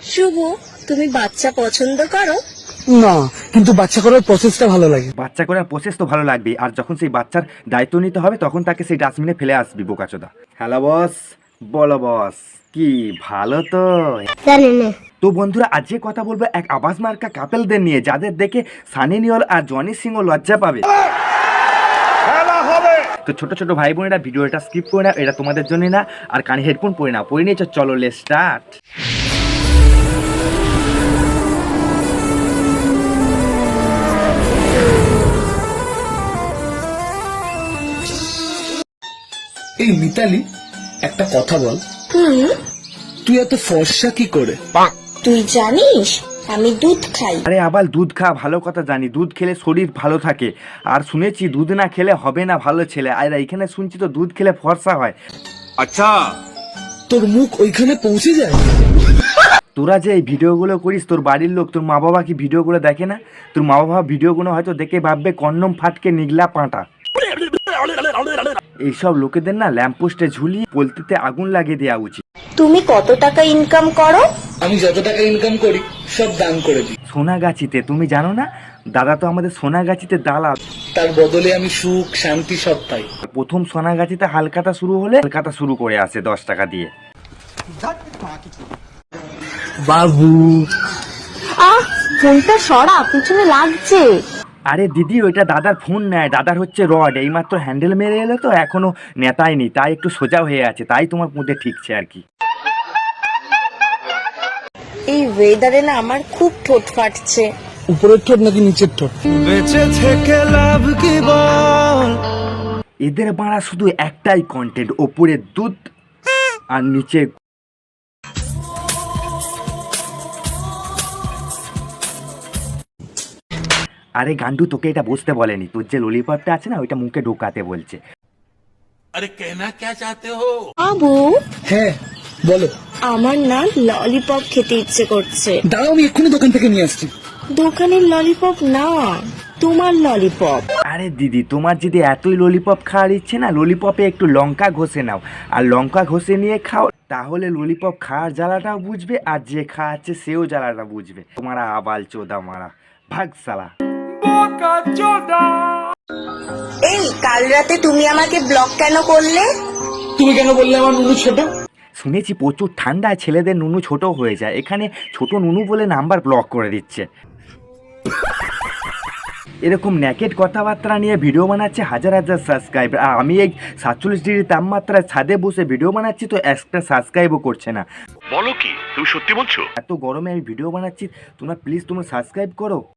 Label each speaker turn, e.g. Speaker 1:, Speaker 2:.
Speaker 1: শুভ, তুমি বাচ্চা পছন্দ করো?
Speaker 2: না, কিন্তু বাচ্চা করার প্রসেসটা ভালো লাগে।
Speaker 3: বাচ্চা করার প্রসেস তো ভালো লাগবে, আর যখন সেই বাচ্চার দায়িত্ব নিতে হবে তখন তাকে সেই ডাস্টবিনে ফেলে আসবি বোকাচোদা। হ্যালো বস, বলো বস, কি ভালো তো?
Speaker 1: জানি না।
Speaker 3: তো বন্ধুরা, আজ যে কথা বলবো এক আবাস মার্কা কাপেলদের নিয়ে, যাদের দেখে সানি লিওন আর জনি সিংও লজ্জা পাবে। তো ছোট ছোট ভাই বোনেরা, ভিডিওটা স্কিপ করে না, এটা তোমাদের জন্য না। আর কানে হেডফোন পরে না, পরে নিয়েছো, চলো লেটস স্টার্ট।
Speaker 2: এই মিতালি, একটা কথা বল, তুই এত ফর্সা কি করে?
Speaker 1: তুই জানিস আমি দুধ খাই।
Speaker 3: আরে আবার দুধ খা, ভালো কথা জানি, দুধ খেলে শরীর ভালো থাকে। আর শুনেছি দুধ না খেলে হবে না ভালো ছেলে, আর এখানে শুনছি তো দুধ খেলে ফর্সা হয়।
Speaker 4: আচ্ছা,
Speaker 2: তোর মুখ ওইখানে পৌঁছে যায়?
Speaker 3: তোরা যে এই ভিডিওগুলো করিস, তোর বাড়ির লোক, তোর মা বাবা কি ভিডিওগুলো দেখে না? তোর মা বাবা ভিডিওগুলো হয়তো দেখে ভাববে কন্ডম ফাটকে নিগলা পাঁটা। এইসব লোকেদের না ল্যাম্পপোস্টে ঝুলিয়ে পলতিতে আগুন লাগিয়ে দেওয়া উচিত।
Speaker 1: তুমি কত টাকা ইনকাম করো?
Speaker 2: আমি যত টাকা ইনকাম করি সব দান করে দিই।
Speaker 3: সোনাগাছিতে, তুমি জানো না? দাদা তো আমাদের সোনাগাছিতে দালাল।
Speaker 2: তার বদলে আমি সুখ শান্তি সব পাই।
Speaker 3: প্রথম সোনাগাছিতে হালকাতা শুরু হলে হালকাতা শুরু করে আসে 10 টাকা দিয়ে।
Speaker 2: বাবু,
Speaker 1: ফোনটা সরা, পিছনে লাগছে।
Speaker 3: আরে দিদি, ওইটা দাদার ফোন নেয়, দাদার হচ্ছে রড, এইমাত্র হ্যান্ডেল মেরে এলো তো, এখনো নেতায়নি, তাই একটু সোজা হয়ে আছে, তাই তোমার মধ্যে ঠিকছে আর কি।
Speaker 1: এই ওয়েদারে না আমার খুব ঠোঁট ফাটছে।
Speaker 2: উপরের ঠোঁট নাকি নিচের ঠোঁট?
Speaker 3: এদের বাড়া শুধু একটাই কন্টেন্ট, ওপরে দুধ আর নিচে। আরে গান্ডু, তোকে এটা বুঝতে বলেনি, তোর যে ললিপপটা আছে না, ওইটা মুখে ঢোকাতে বলছে।
Speaker 4: अरे कहना क्या चाहते हो?
Speaker 1: বাবু,
Speaker 2: হ্যাঁ বলো।
Speaker 1: আমার না ললিপপ খেতে ইচ্ছে করছে।
Speaker 2: দাঁড়াও, আমি এক্ষুনি দোকান থেকে নিয়ে আসছি।
Speaker 1: দোকানের ললিপপ না, তোমার ললিপপ।
Speaker 3: আরে দিদি, তোমার যদি এতই ললিপপ খাওয়ার ইচ্ছে না, ললিপপে একটু লঙ্কা ঘষে নাও, আর লঙ্কা ঘষে নিয়ে খাও, তাহলে ললিপপ খাওয়ার জ্বালাটাও বুঝবে, আর যে খাওয়াচ্ছে সেও জ্বালাটা বুঝবে। তোমারা আবাল চোদা মারা, ভাগ সালা।
Speaker 1: এই কাল রাতে তুমি আমাকে ব্লক কেন করলে?
Speaker 2: তুমি কেন বললে আমার নুনু ছোট?
Speaker 3: শুনেছি প্রচুর ঠান্ডায় ছেলেদের নুনু ছোট হয়ে যায়, এখানে ছোট নুনু বলে নাম্বার ব্লক করে দিচ্ছে। এরকম ন্যাকেট কথাবার্তা নিয়ে ভিডিও বানাচ্ছে হাজার হাজার সাবস্ক্রাইবার, আর আমি এই 47 ডিগ্রি তাপমাত্রায় ছাদে বসে ভিডিও বানাচ্ছি তো একটা সাবস্ক্রাইবও করছে না।
Speaker 4: বলো কি, তুমি সত্যি বলছো?
Speaker 3: এত গরমে আমি ভিডিও বানাচ্ছি, তোমরা প্লিজ সাবস্ক্রাইব করো।